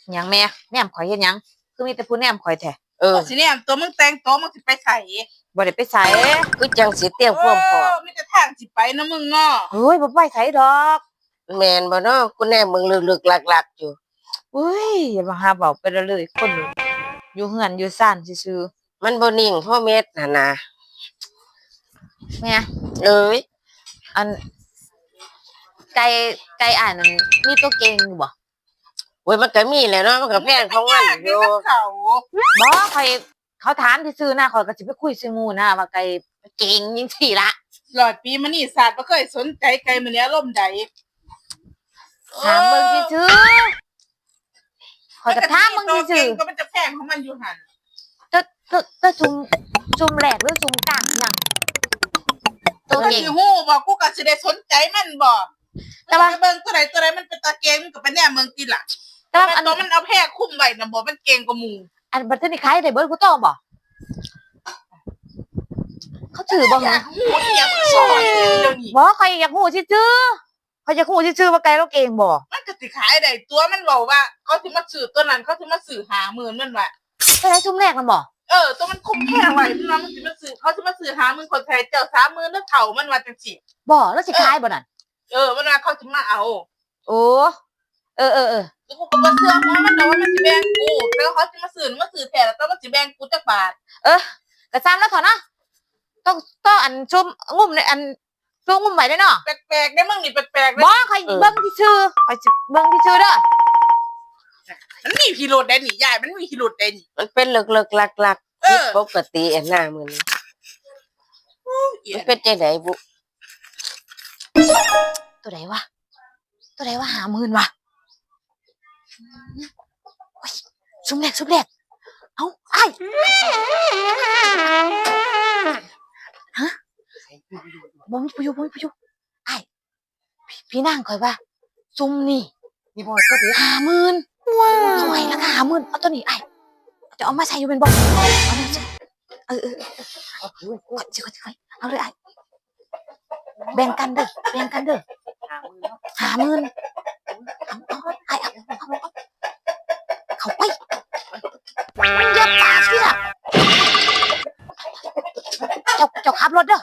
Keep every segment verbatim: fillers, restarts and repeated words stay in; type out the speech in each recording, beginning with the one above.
หยังแม่แนมข่อยเฮ็ดหยังคือมีแต่ผู้แนมข่อยแท้เออสิเนี่ยตัวมึงแต่งตัวมึงสิไปใส่บ่ได้ไปไสคือจังสิเตรียมความพร้อมมีแต่ทางสิไปนะมึงเนาะเฮ้ยบ่ไปไสดอกแม่นบ่เนาะกูแน่มึงลึกๆหลักๆอยู่เฮ้ยอย่ามาหาเว้าไปเลยคนอยู่เฮือนอยู่ซ่านซื่อมันบ่นิ่งพ่อเม็ดน่ะนะๆแม่เอ้ยอันไก่ไก่อ่านนั่นมีตัวเก่งอยู่บ่โอ้ยมันก็มีแหละเนาะมันก็แพงของมันอยู่เขาบ่ข่อยเขาถามซื่อๆนะข่อยก็สิไปคุยซื่อหมู่นะว่าไก่เก่งจังซี่ล่ะร้อยปีมานี่ศาสตร์บ่เคยสนใจไกลมันนี้อารมณ์ใดถามเบิ่งซื่อๆข่อยก็ถามเบิ่งซื่อๆก็มันจะแพงของมันอยู่หั่นๆตตตซุมซุมแรกหรือซุมกลางหยังตัวเก่งสิฮู้บ่กูก็สิได้สนใจมันบ่แต่ว่าเบิ่งตัวใดตัวใดมันเป็นตาเก่งมันก็เป็นแน่เมืองติล่ะแต่อันตัวมันเอาแพร่คุ้มไว้น่ะบ่มันเก่งกว่าหมู่อันบัดนี้ขายได้เบิดกูโตบ่เขาถือบ่ฮะฮู้อีหยังสอนเดี๋ยวนี้บ่ข่อยอยากฮู้ซื่อๆข่อยอยากฮู้ซื่อๆว่าไก่เราเก่งบ่มันก็สิขายได้ตัวมันเว้าว่าเขาสิมาซื้อตัวนั้นเขาสิมาซื้อห้าหมื่นมันว่าไปได้ซุมแรกมันบ่เออตัวมันคุ้มแพงไว้มันว่ามันสิมาซื้อเขาสิมาซื้อห้าหมื่นคนไทยเจ้าสามหมื่นแล้วเฒ่ามันว่าจังซี่บ่แล้วสิขายบ่นั่นเออมันว่าเขาสิมาเอาโอ้เออๆๆกูก็บ่เชื่อเพราะมันแต่ว่ามันสิแบ่งกูแล้วเขาสิมาซื้อมาซื้อแท้แล้วมันสิแบ่งกูจักบาทเออก็ซ้ำแล้วเถอะเนาะต้องต้องอันชุมงุ่มในอันชุมงุ่มไว้เด้เนาะแปลกๆได้มึงนี่แปลกๆบ่ข่อยเบิ่งที่ชื่อข่อยสิเบิ่งที่ชื่อเด้อมันมีพิรุธได้นี่ยายมันมีพิรุธได้นี่มันเป็นเลิกๆหลักๆผิดปกติอันน่ะมื้อนี้มันเป็นจังได๋บุตัวใดวะตัวใดวะห้าหมื่นวะโอ้ยซุมแรกซุมแรกเอ้าอ้ายฮะบ่มีประโยชน์บ่มีประโยชน์อ้ายพี่นางข่อยว่าซุมนี่นี่บ่ตัวเด้ห้าหมื่นว้าวเท่าไหร่ราคาห้าหมื่นเอาตัวนี้อ้ายจะเอามาใช้อยู่เป็นบ่เอามาใช้เออๆเอาสิค่อยๆเอาเลยอ้ายแบ่งกันเด้อแบ่งกันเด้อห้าหมื่นเอาเอาไอ้เอาเข้าไปอย่าปากสิล่ะเจ้าเจ้าขับรถเด้อ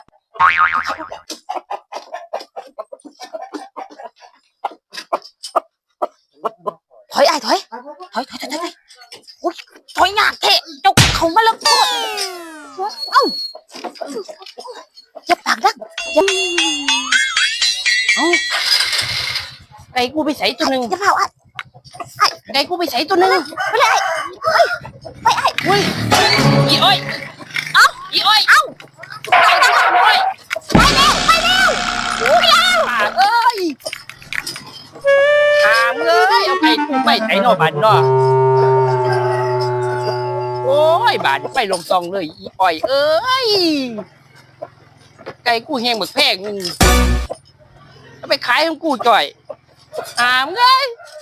ถอยไอ้ถอยถอยถอยถอยถอยโอ้ยถอยยากแท้เจ้าเข้ามาแล้วก่อนเอ้าอย่าปากดังอย่าเอ้าไก่กูไปใส่ตัวนึงอย่าเผาอ่ะไก่กูไปใส่ตัวนึงไปเลยไปไอ้เฮ้ยอีอ้อยเอ้าอีอ้อยเอ้าไปแล้วไปแล้วโอ้ยป่าเอ้ยถามเอ้ยเอาไก่กูไปใส่นอกบ้านเนาะโอ้ยบาดไปลงซองเลยอีอ้อยเอ้ยไก่กูแห้งหมึกแพงนึงเอาไปขายของกูจ่อยถามเอ้ย